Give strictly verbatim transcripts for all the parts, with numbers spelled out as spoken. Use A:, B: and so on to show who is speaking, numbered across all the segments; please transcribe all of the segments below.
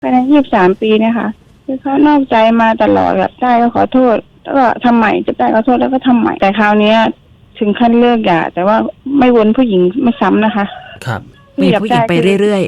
A: ภายในยี่สิบสามปีเนี่ยค่ะคือเขานอกใจมาตลอดแบบได้ก็ขอโทษแล้วก็ทำใหม่จะได้ขอโทษแล้วก็ทำใหม่แต่คราวนี้ถึงขั้นเลิกหย่าแต่ว่าไม่วนผู้หญิงไม่ซ้ำนะคะ
B: ครับ
C: มีผู้หญิงไปเรื่อย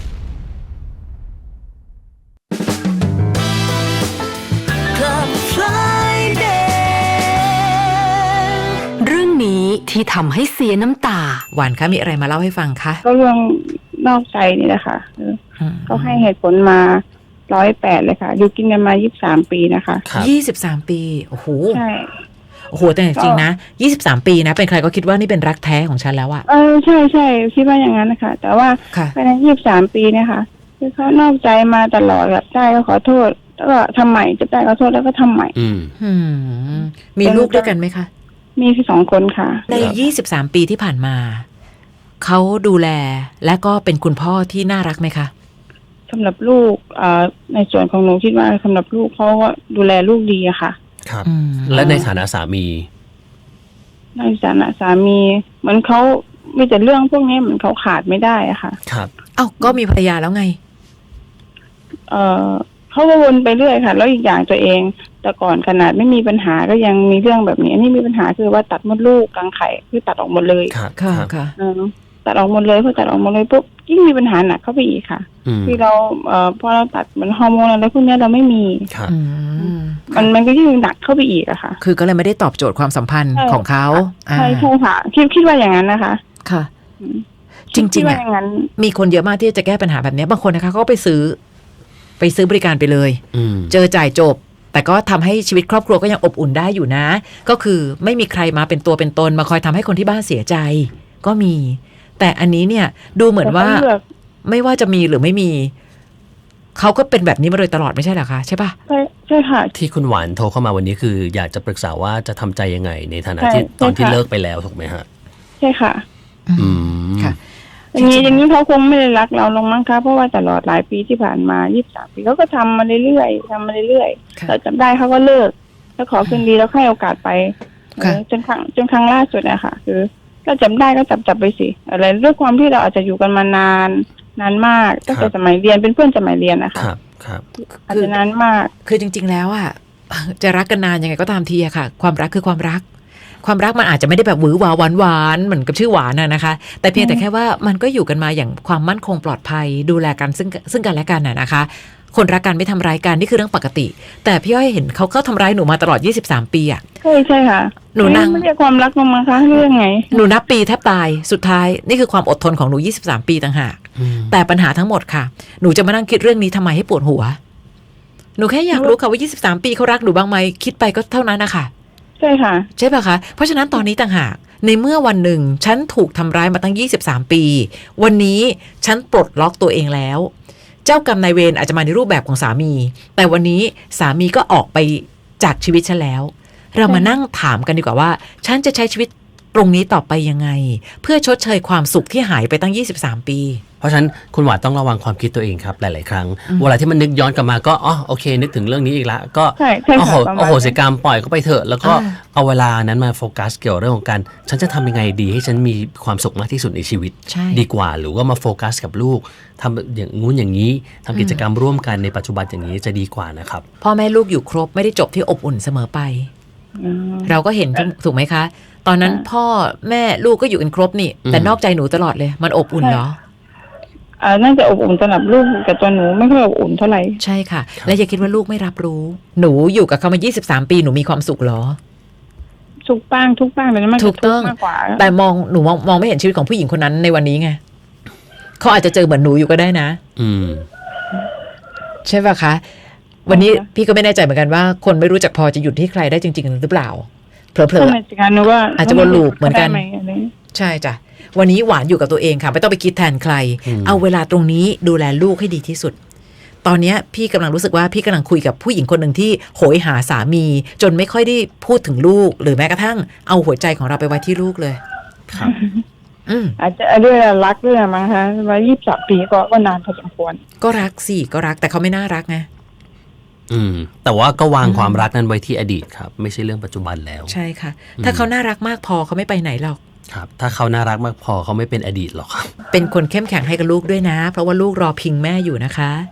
C: ๆเรื่องนี้ที่ทำให้เสียน้ำตาหวานคะมีอะไรมาเล่าให้ฟังคะ
A: ก็เรื่องนอกใจนี่แหละค่ะเขาให้เหตุผลมาร้อยแปดเลยค่ะอยู่กินกันมายี่สิบสามปีนะคะ
C: ยี่สิบสามปีโอ้โห
A: ใช่
C: โอ้โหแต่จริงๆนะยี่สิบสามปีนะเป็นใครก็คิดว่านี่เป็นรักแท้ของฉันแล้วอะ
A: เออใช่ใช่คิดว่าอย่างนั้นนะคะแต่ว่าภายในยี่สิบสามปีเนี่ยค่ะคือเขานอกใจมาตลอดแบบได้ก็ขอโทษแล้วก็ทำใหม่จะได้ขอโทษแล้วก็ทำใหม่
B: อื
C: มมีลูกด้วยกันไหมคะ
A: มีสองคนค่ะ
C: ในยี่สิบสามปีที่ผ่านมาเขาดูแลและก็เป็นคุณพ่อที่น่ารักไหมคะ
A: สำหรับลูกในส่วนของหนูคิดว่าสำหรับลูกเขาก็ดูแลลูกดีอะค่ะ
B: ครับและในฐานะสามี
A: ในฐานะสามีเหมือนเขามีแต่เรื่องพวกนี้เหมือนเขาขาดไม่ได้อะค่ะ
B: ครับ
C: เอ้าก็มีภรรยาแล้วไง
A: เออเขาก็วนไปเรื่อยค่ะแล้วอีกอย่างตัวเองแต่ก่อนขนาดไม่มีปัญหาก็ยังมีเรื่องแบบนี้อันนี้มีปัญหาคือว่าตัดมดลูกกลางไข่คือตัดออกหมดเลย
B: ครับ
C: ค่ะค่ะ
A: ตัดออกหมดเลยพอตัดออกหมดเลยปุ๊บยิ่งมีปัญหาหนักเข้าไปอีกค่ะคือเราเอ่อพอเราตัดมันฮอร์โมนอะไรพวกนี้เราไม่มีมันมันก็ยิ่งหนักเข้าไปอีกอะค่ะ
C: คือก็เลยไม่ได้ตอบโจทย์ความสัมพันธ์ของเขา
A: ใช่ใช่ค่ะคิดคิดว่าอย่างนั้นนะคะ
C: ค่ะจริงๆอะมีคนเยอะมากที่จะแก้ปัญหาแบบนี้บางคนนะคะเขาก็ไปซื้อไปซื้อบริการไปเลยเจอจ่ายจบแต่ก็ทำให้ชีวิตครอบครัวก็ยังอบอุ่นได้อยู่นะก็คือไม่มีใครมาเป็นตัวเป็นตนมาคอยทำให้คนที่บ้านเสียใจก็มีแต่อันนี้เนี่ยดูเหมือนว่าไม่ว่าจะมีหรือไม่มีเขาก็เป็นแบบนี้มาโดยตลอดไม่ใช่เหรอคะใช่ปะ
A: ใช่ใช่ค่ะ
B: ที่คุณหวานโทรเข้ามาวันนี้คืออยากจะปรึกษาว่าจะทำใจยังไงในฐานะที่ตอนที่เลิกไปแล้วถูกไหมฮะ
A: ใช่ค่ะ
B: อืม
C: ค่ะ
A: อย่างนี้อย่างนี้เขาคงไม่ได้รักเราลงมั้งคะเพราะว่าตลอดหลายปีที่ผ่านมายี่สิบสามปีเขาก็ทำมาเรื่อยๆทำมาเรื่อยๆเราจำได้เขาก็เลิกแล้วขอคืนดีแล้วให้โอกาสไปจนครั้งจนครั้งล่าสุดนะคะคือก็จำได้ก็จับจับไปสิอะไรด้วยความที่เราอาจจะอยู่กันมานานนานมากตั้งแต่สมัยเรียนเป็นเพื่อนสมัยเรียนนะคะ
B: ครับครับ
A: อาจจะนานมาก
C: คือจริงๆแล้วอ่ะจะรักกันนานยังไงก็ตามทีอะค่ะความรักคือความรักความรักมันอาจจะไม่ได้แบบหวือหวาหวานหวานเหมือนกับชื่อหวานน่ะนะคะแต่เพียงแต่แค่ว่ามันก็อยู่กันมาอย่างความมั่นคงปลอดภัยดูแลกันซึ่งซึ่งกันและกันน่ะนะคะคนรักกันไม่ทำร้ายกันนี่คือเรื่องปกติแต่พี่อ้อยเห็นเขาก็ทำร้ายหนูมาตลอดยี่สิบสามปีอ่ะ
A: ใช่ใช่ค่ะ
C: หนูนั่ง
A: ไม่เรียกความรักลงมาคะเรื่องไง
C: หนูนับปีแทบตายสุดท้ายนี่คือความอดทนของหนูยี่สิบสามปีต่างหากแต่ปัญหาทั้งหมดค่ะหนูจะมานั่งคิดเรื่องนี้ทำไมให้ปวดหัวหนูแค่อยากรู้ค่ะว่ายี่สิบสามปีเขารักหนูบ้างไหมคิดไปก็เท่านั้นนะคะ
A: ใช่ค่ะ
C: ใช่ป่ะคะเพราะฉะนั้นตอนนี้ต่างหากในเมื่อวันหนึ่งฉันถูกทำร้ายมาตั้งยี่สิบสามปีวันนี้ฉันปลดล็อกตัวเองแล้วเจ้ากรรมนายเวรอาจจะมาในรูปแบบของสามีแต่วันนี้สามีก็ออกไปจากชีวิตฉันแล้วเรามานั่งถามกันดีกว่าว่าฉันจะใช้ชีวิตตรงนี้ต่อไปยังไงเพื่อชดเชยความสุขที่หายไปตั้งยี่สิบสามปี
B: เพราะฉะนั้นคุณหวานต้องระวังความคิดตัวเองครับหลายๆครั้งเวลาที่มันนึกย้อนกลับมาก็อ๋อโอเคนึกถึงเรื่องนี้อีกละก็โอ้โหโอ้โหเสียกรรมปล่อยก็ไปเถอะแล้วก็เอาเวลานั้นมาโฟกัสเกี่ยวเรื่องของการฉันจะทำยังไงดีให้ฉันมีความสุขมากที่สุดในชีวิตดีกว่าหรือว่ามาโฟกัสกับลูกทำอย่างงู้นอย่างนี้ทำกิจกรรมร่วมกันในปัจจุบันอย่างนี้จะดีกว่านะครับ
C: พ่อแม่ลูกอยู่ครบไม่ได้จบที่อบอุ่นเสมอไปเราก็เห็นถูกไหมคะตอนนั้นพ่อแม่ลูกก็อยู่กันครบนี่แต่นอกใจหนูตลอดเลยมันอบอุ่นเหรอ
A: อ่าน่าจะอบอุ่นสำหรับลูกแต่ตัวหนูไม่ค่อยอบอุ่นเท่าไหร่
C: ใช่ค่ะและอย่าคิดว่าลูกไม่รับรู้หนูอยู่กับเขามายี่สิบสามปีหนูมีความสุขเหรอ
A: สุขบ้างทุกบ้างแต่มัน
C: ถูกต้องแต่มองหนูมองมองไม่เห็นชีวิตของผู้หญิงคนนั้นในวันนี้ไงเขาอาจจะเจอเหมือนหนูอยู่ก็ได้นะ
B: อืม
C: ใช่ป่ะคะวันนี้พี่ก็ไม่แน่ใจเหมือนกันว่าคนไม่รู้จักพอจะหยุดที่ใครได้จริงๆหรือเปล่าเผลอๆอาจจะวนลูปเหมือนกันใช่จ้ะวันนี้หวานอยู่กับตัวเองค่ะไม่ต้องไปคิดแทนใครเอาเวลาตรงนี้ดูแลลูกให้ดีที่สุดตอนนี้พี่กำลังรู้สึกว่าพี่กำลังคุยกับผู้หญิงคนหนึ่งที่โหยหาสามีจนไม่ค่อยได้พูดถึงลูกหรือแม้กระทั่งเอาหัวใจของเราไปไว้ที่ลูกเลย
B: ครับ
A: อาจจะด้วยรักด้วยมั้งคะว่ายี่สิบสามปีก็ก็นานพอสมควร
C: ก็รักสิก็รักแต่เขาไม่น่ารักไง
B: อืมแต่ว่าก็วางความรักนั้นไว้ที่อดีตครับไม่ใช่เรื่องปัจจุบันแล้ว
C: ใช่ค่ะถ้าเขาน่ารักมากพอเขาไม่ไปไหนหรอก
B: ครับถ้าเขาน่ารักมากพอเขาไม่เป็นอดีตหรอกครับ
C: เป็นคนเข้มแข็งให้กับลูกด้วยนะเพราะว่าลูกรอพิงแม่อยู่นะคะ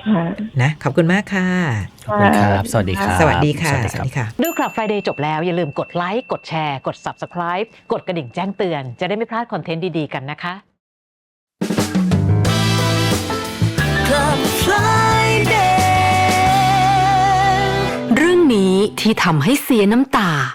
A: ค่ะ
C: นะขอบคุณมากค่ะ
B: ขอบคุณครับ สวัสดีครับ
C: สวัสดีค่ะ
B: สวัสดีครับ
C: ดูคลับ Friday จบแล้วอย่าลืมกดไลค์กดแชร์กด Subscribe กดกระดิ่งแจ้งเตือนจะได้ไม่พลาดคอนเทนต์ดีๆกันนะคะ
D: Club Friday เรื่องนี้ที่ทำให้เสียน้ำตา